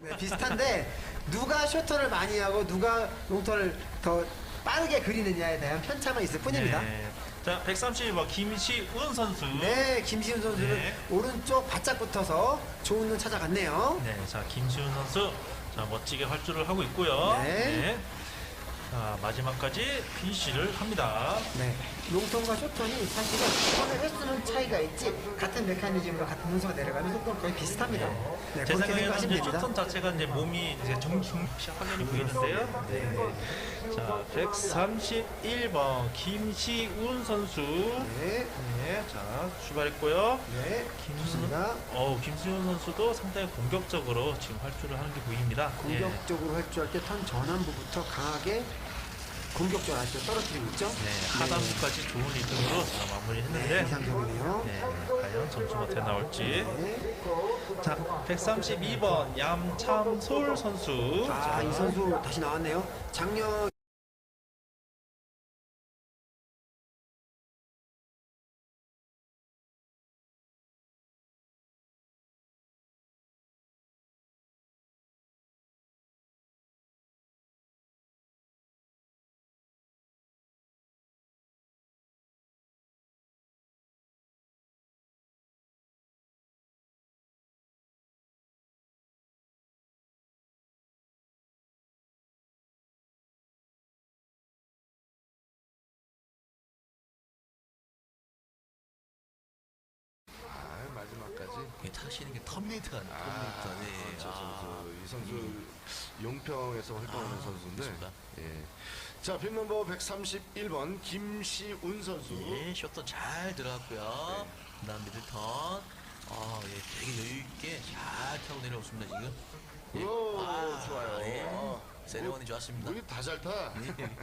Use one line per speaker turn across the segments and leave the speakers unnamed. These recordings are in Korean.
네, 비슷한데 누가 쇼터를 많이 하고 누가 롱터를 더 빠르게 그리느냐에 대한 편차만 있을 뿐입니다.
네. 자, 130번 김시운 선수.
네, 김시훈 선수는
네.
오른쪽 바짝 붙어서 좋은 눈 찾아갔네요.
네, 자 김시운 선수, 자 멋지게 활주를 하고 있고요.
네.
자 마지막까지 피니시를 합니다.
네, 롱턴과 쇼턴이 사실은 손을 횟수는 차이가 있지 같은 메커니즘으로 같은 분수가 내려가는 속도는 거의 비슷합니다. 네,
제
그렇게
생각에는
생각하시면
이제
됩니다.
쇼턴 자체가 이제 몸이 이제 확연히 보이는데요. 네. 자 131번 김시운 선수.
네,
네, 자 출발했고요.
네, 좋습니다.
김시운 선수도 상당히 공격적으로 지금 활주를 하는 게 보입니다.
공격적으로 활주할 때 턴 전환부부터 강하게 공격적으로 아주 떨어뜨리고 있죠.
네, 하단부까지 좋은 리듬으로 자, 마무리했는데
이상적이네요.
네, 과연 점수가 어떻게 나올지.
네.
자, 132번 얌참솔 선수.
아,
자,
이 선수 다시 나왔네요. 작년
마지막까지.
타시는 게 터미네이터 같네. 터미네이터. 네.
저 선수, 이 선수 용평에서 활동하는 선수인데.
그렇습니다.
예. 자, 핀 넘버 131번 김시운 선수.
예, 셔터 잘 들어갔고요. 그다음 미들 턴. 예, 되게 여유 있게 잘 타고 내려오습니다 지금. 예.
오, 좋아요.
예.
아,
세레머니 좋았습니다.
우리 다 잘 타.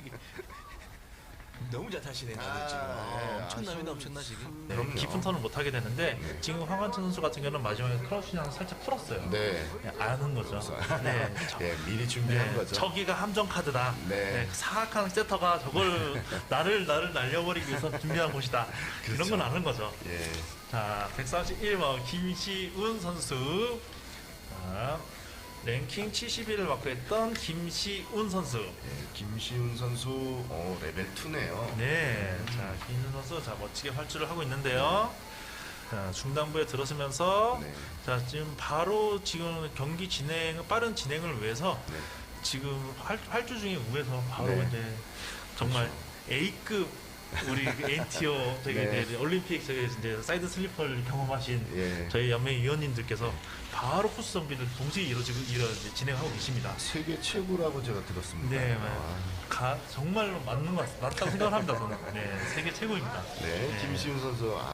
너무 잘 타시네 나도 지금.
네.
엄청납니다, 엄청나 지금.
네,
그럼요.
깊은 턴을 못 하게 되는데 지금 황환천 선수 같은 경우는 마지막에 크러쉬랑 살짝 풀었어요.
네.
네, 아는 거죠. 네,
예, 미리 준비한
네,
거죠.
저기가 함정 카드다.
네.
네, 사악한 세터가 저걸 나를 날려버리기 위해서 준비한 곳이다. 이런
그렇죠.
건 아는 거죠.
예.
자, 131번 김시운 선수. 자, 랭킹 71을 맡고 김시운 선수.
예, 김시운 선수, 레벨 2네요.
네, 자 김시운 선수, 자 멋지게 활주를 하고 있는데요. 자 중단부에 들어서면서,
네.
자 지금 바로 지금 경기 빠른 진행을 위해서
네.
지금 활주 중에 우에서 바로
네.
이제 정말 A급 우리 N티어 저기
네.
이제 올림픽 저기 이제 사이드 슬리퍼를 경험하신
예.
저희 연맹 위원님들께서 바로 코스 정비를 동시에 이제 진행하고 계십니다.
세계 최고라고 제가 들었습니다.
네,
아,
정말로 맞는 것 같다고 생각을 합니다. 저는. 네, 세계 최고입니다.
네, 김시운 선수.